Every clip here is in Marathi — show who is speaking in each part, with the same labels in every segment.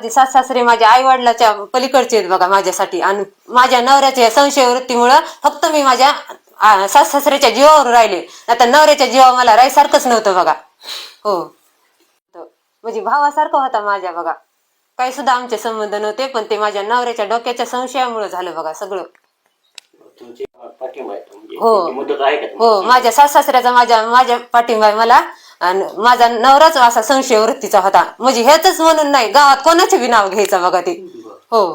Speaker 1: घरातली सास सासरे माझ्या आई वडिलाच्या पलीकडचे आहेत बघा माझ्यासाठी. आणि माझ्या नवऱ्याच्या संशय वृत्तीमुळं फक्त मी माझ्या सास सासऱ्याच्या जीवावर राहिले. आता नवऱ्याच्या जीवावर मला राहायसारखंच नव्हतं बघा. हो, म्हणजे भावासारखं होता माझ्या बघा. काही सुद्धा आमचे संबंध नव्हते, पण ते माझ्या नवऱ्याच्या डोक्याच्या संशयामुळे झालं बघा सगळं. हो, माझ्या सास सासऱ्याचा माझ्या पाठिंबा आहे मला. आणि माझा नवराच असा संशय वृत्तीचा होता. म्हणजे हेच म्हणून नाही, गावात कोणाचे बी नाव घ्यायचं बघा ते. हो,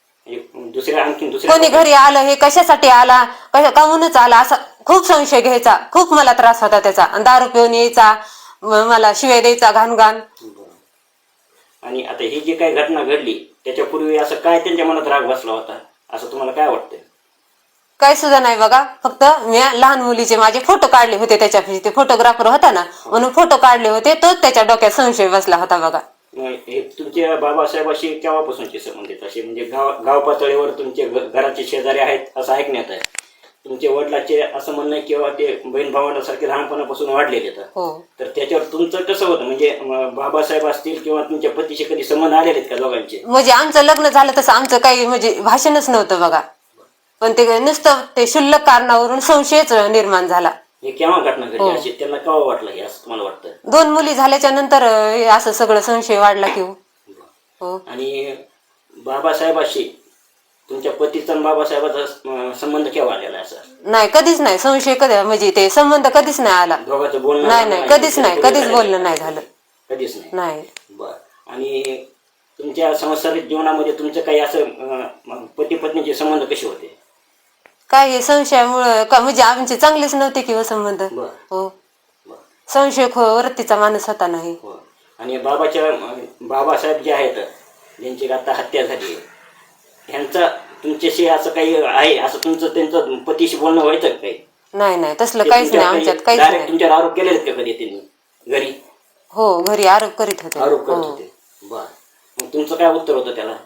Speaker 1: कोणी घरी आलं हे कशासाठी आला, काहूनच आला असा खूप संशय घ्यायचा. खूप मला त्रास होता त्याचा. दारू पिऊन यायचा, मला शिवाय द्यायचा घाण घाण.
Speaker 2: आणि आता ही जी काही घटना घडली त्याच्यापूर्वी असं काय त्यांच्या मनात राग बसला होता असं तुम्हाला काय वाटतं?
Speaker 1: काय सुद्धा नाही बघा. फक्त मी लहान मुलीचे माझे फोटो काढले होते त्याच्यापाशी. ते फोटोग्राफर होता ना, म्हणून फोटो काढले होते. तोच त्याच्या डोक्यात संशय बसला होता बघा.
Speaker 2: हे तुमच्या बाबासाहेबाशी केव्हापासूनचे संबंध आहेत असे? म्हणजे गाव पातळीवर तुमचे घराचे शेजारी आहेत असं ऐकण्यात आहे. तुमच्या वडिलाचे असं म्हणणं किंवा ते बहीण भावांसारखे लहानपणापासून वाढलेले आहेत. तर त्याच्यावर तुमचं कसं होतं? म्हणजे बाबासाहेब असतील किंवा तुमच्या पतीशी कधी संबंध आलेले आहेत का दोघांचे?
Speaker 1: म्हणजे आमचं लग्न झालं तसं आमचं काही म्हणजे भाषणच नव्हतं बघा. पण ते नुसतं ते क्षुल्लक कारणावरून संशयच निर्माण झाला.
Speaker 2: हे केव्हा घटना घडली अशी? त्यांना केव्हा वाटलं हे असं तुम्हाला वाटतं?
Speaker 1: 2 मुली झाल्याच्या नंतर असं सगळं संशय वाढला की हो.
Speaker 2: आणि बाबासाहेबाशी तुमच्या पतीचा आणि बाबासाहेबाचा संबंध केव्हा आलेला असं?
Speaker 1: नाही, कधीच नाही. संशय कधी म्हणजे ते संबंध कधीच नाही आला.
Speaker 2: दोघांचं बोलणं
Speaker 1: नाही, कधीच नाही. कधीच बोलणं नाही झालं.
Speaker 2: कधीच
Speaker 1: नाही.
Speaker 2: बर. आणि तुमच्या सांसारिक जीवनामध्ये तुमचं काही असं पती पत्नीचे संबंध कसे होते?
Speaker 1: काय हे संशयामुळं म्हणजे आमचे चांगलेच नव्हते किंवा संबंध. हो, संशय वृत्तीचा माणूस होता नाही.
Speaker 2: आणि बाबासाहेब जे आहेत ज्यांची आता हत्या झाली, ह्यांचा तुमच्याशी असं काही आहे असं तुमचं त्यांचं पतीशी बोलणं व्हायचं काही?
Speaker 1: नाही, तसलं काहीच नाही आमच्यात. काहीच नाही.
Speaker 2: तुमच्यावर आरोप केलेले का कधी त्यांनी घरी?
Speaker 1: हो, घरी आरोप करीत होते.
Speaker 2: बर. मग तुमचं काय उत्तर होतं त्याला?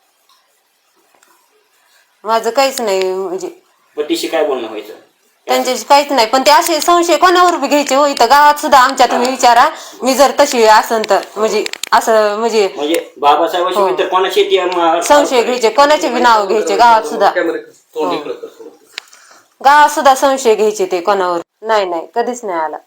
Speaker 1: माझं काहीच नाही. म्हणजे
Speaker 2: पतीशी काय बोलणं व्हायचं?
Speaker 1: त्यांच्याशी काहीच नाही. पण ते असे संशय कोणावर बी घ्यायचे हो. इथं गावात सुद्धा आमच्या तुम्ही विचारा, मी जर तशी असन तर म्हणजे असं म्हणजे
Speaker 2: बाबासाहेबाशी कोणाशी
Speaker 1: संशय घ्यायचे, कोणाचे बी नाव घ्यायचे गावात सुद्धा. गावात सुद्धा संशय घ्यायचे ते कोणावर. नाही, कधीच नाही आला.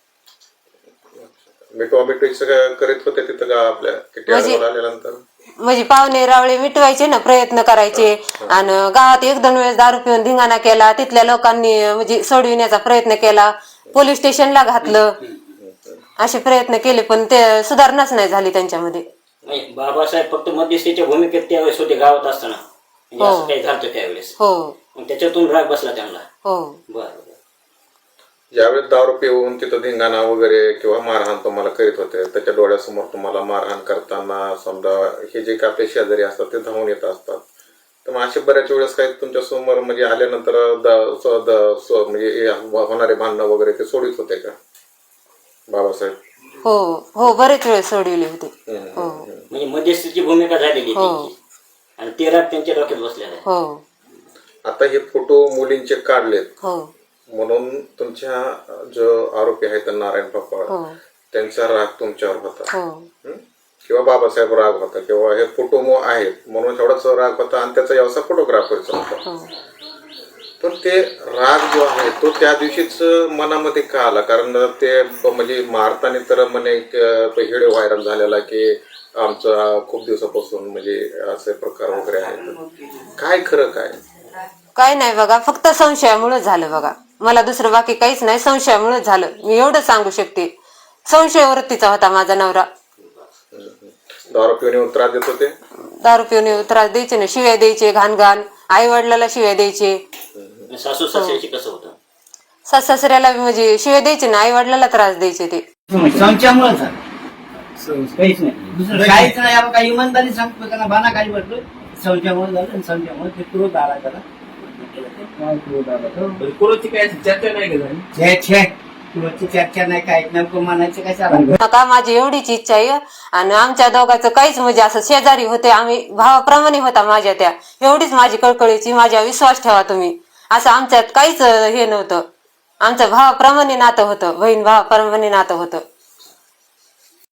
Speaker 3: करीत होते तिथं आपल्या
Speaker 1: म्हणजे पाहुणे रावळे मिटवायचे ना, प्रयत्न करायचे. आणि गावात 1-2 वेळेस दारू पिऊन धिंगाणा केला. तिथल्या लोकांनी म्हणजे सोडविण्याचा प्रयत्न केला. पोलीस स्टेशनला घातलं. असे प्रयत्न केले, पण ते सुधारणाच नाही झाली त्यांच्यामध्ये.
Speaker 2: बाबासाहेब फक्त मध्यस्थीच्या भूमिकेत त्यावेळेस होते गावात असताना, असं काही झालं त्यावेळेस.
Speaker 1: हो,
Speaker 2: त्याच्यातून राग बसला त्यांना.
Speaker 1: हो.
Speaker 2: बरं.
Speaker 3: ज्यावेळेस दारू पिऊन तिथं धिंगाणा वगैरे किंवा मारहाण तुम्हाला करीत होते, त्याच्या डोळ्यासमोर तुम्हाला मारहाण करताना समजा हे जे काही आपले शेजारी असतात ते धावून येत असतात, तर मग असे बऱ्याच वेळेस काही तुमच्या समोर म्हणजे आल्यानंतर म्हणजे होणारे भांडणं वगैरे ते सोडित होते का बाबासाहेब?
Speaker 1: हो, बरेच वेळ सोडविले होते.
Speaker 2: म्हणजे मध्यस्थीची भूमिका झालेली आणि ते राग त्यांच्या डोक्यात बसलेला आहे.
Speaker 1: हो.
Speaker 3: आता हे फोटो मुलींचे काढलेत.
Speaker 1: हो.
Speaker 3: म्हणून तुमच्या जो आरोपी आहेत नारायण पापा, त्यांचा राग तुमच्यावर होता किंवा बाबासाहेब राग होता किंवा हे फोटो आहेत म्हणून एवढाच राग होता आणि त्याचा व्यवसाय फोटोग्राफरचा होता. पण ते राग जो आहे तो त्या दिवशीच मनामध्ये का आला? कारण ते म्हणजे मारताना तर म्हणे व्हिडिओ व्हायरल झालेला की आमचा खूप दिवसापासून म्हणजे असे प्रकार वगैरे आहेत. काय खरं काय
Speaker 1: नाही बघा, फक्त संशयामुळे झालं बघा. मला दुसरं बाकी काहीच नाही. संशयामुळे झालं, मी एवढं सांगू शकते. संशय वृत्तीचा होता माझा नवरा.
Speaker 3: दारू पिऊन त्रास देत होते?
Speaker 1: दारू पिऊन त्रास द्यायचे ना, शिव्या द्यायचे घाण घाण. आई वडिलाला शिव्या द्यायचे.
Speaker 2: सासू सासऱ्याशी कसं होतं?
Speaker 1: सास सासऱ्याला म्हणजे शिव्या द्यायचे ना, आई वडिलाला त्रास द्यायचे ते.
Speaker 4: संशयामुळे काहीच नाही, काहीच नाही. आपण काही इमानदारी सांगतो त्यांना बाना काही म्हटलं संशयामुळे झालं. आणि संशयामुळे ते क्रोध आला त्याला. चर्चा नाही, काय नेमकं म्हणायचं काय
Speaker 1: का माझी एवढीच इच्छा आहे. आणि आमच्या दोघांचं काहीच म्हणजे असं शेजारी होते, आम्ही भावाप्रमाणे होता माझ्या त्या. एवढीच माझी कळकळीची, माझ्या विश्वास ठेवा तुम्ही. असं आमच्यात काहीच हे नव्हतं. आमचं भावाप्रमाणे नातं होतं, बहीण भावाप्रमाणे नातं होतं.